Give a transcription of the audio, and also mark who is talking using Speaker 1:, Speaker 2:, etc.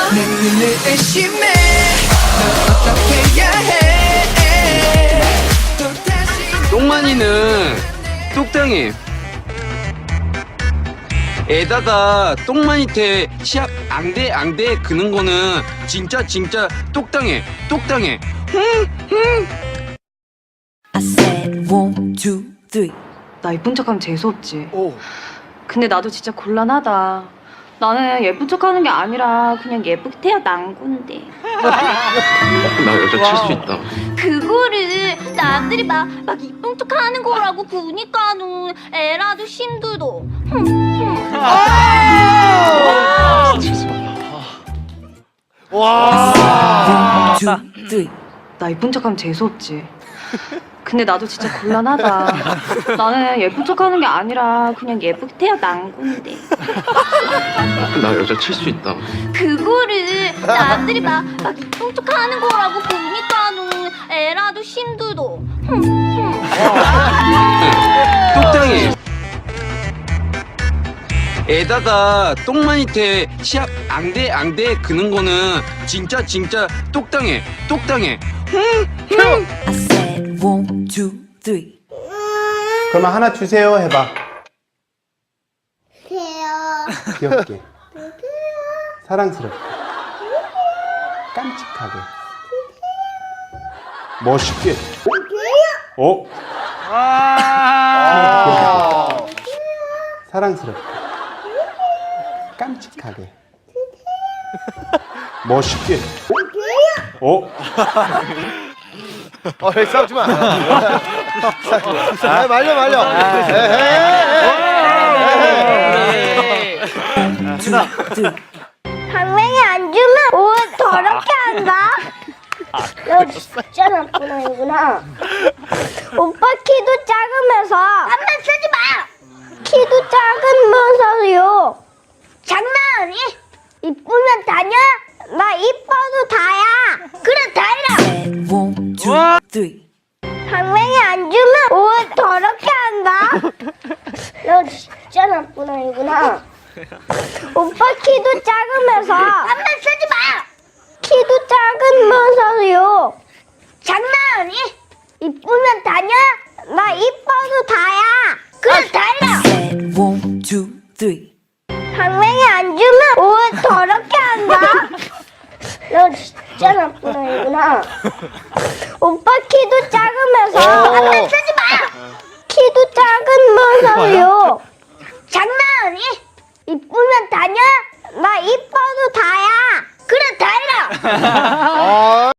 Speaker 1: 내 눈을 의심해 널 어떻게 해야 해 또 다시
Speaker 2: 똥만이는 뚝딱이 에다가 똥만이태 시합 앙대 그는 거는 진짜 똑당해
Speaker 3: I said 1, 2, 3.
Speaker 4: 나 예쁜 척하면 재수없지. 근데 나도 진짜 곤란하다. 나는 예쁜 척하는 게 아니라 그냥 예쁘게 태어난 건데.
Speaker 2: 나 여자 칠 수 있다.
Speaker 5: 그거를 남들이 막 이쁜 척 하는 거라고 그니까는 애라도 힘들어.
Speaker 3: 와. 1, 2, 3.
Speaker 4: 나 예쁜 척하면 재수없지. 근데 나도 진짜 곤란하다. 나는 예쁜 척하는 게 아니라 그냥 예쁘게 태어난 건데.
Speaker 2: 나 여자 칠 수 있다.
Speaker 5: 그거를 남들이 막 이쁜 척 하는 거라고 그니까는 애라도 힘들어.
Speaker 2: 똑당해 에다가 똥만이태 시합 앙대 그는 거는 진짜 똑당해
Speaker 3: I said 1, 2, 3.
Speaker 6: 그러면 하나 주세요 해봐. 귀엽게. 사랑스럽게. 깜찍하게. 멋있게. 귀엽게. 사랑스럽게. 깜찍하게. 멋있게.
Speaker 7: 싸우지 마. 말려.
Speaker 5: 당맹이 안 주면 옷 더럽게 한다. 너 진짜 나쁜 아이구나. 오빠 키도 작으면서 한번 쓰지 마. 키도 작으면서요. 장난하니? 이쁘면 다냐? 나 이뻐도 다야. 그래 다이라.
Speaker 3: Said 1, 2, 3.
Speaker 5: 당맹이 안 주면 옷 더럽게 한다. 너 진짜 나쁜 아이구나. 오빠 키도 작으면서 한번 쓰지 마. 키도 작으면서요. 장난하니? 이쁘면 다냐? 나 이뻐도 다야. 그래 다이라.
Speaker 3: Said 1, 2, 3.
Speaker 5: 당맹이 안 주면 옷 더럽게 한다. 너 진짜 나쁜 아이구나. 오빠 키도 작으면서 한번 쓰지 마. 키도 작으면서요. 장난하니? 이쁘면 다냐? 나 이뻐도 다야. 그래 다이라.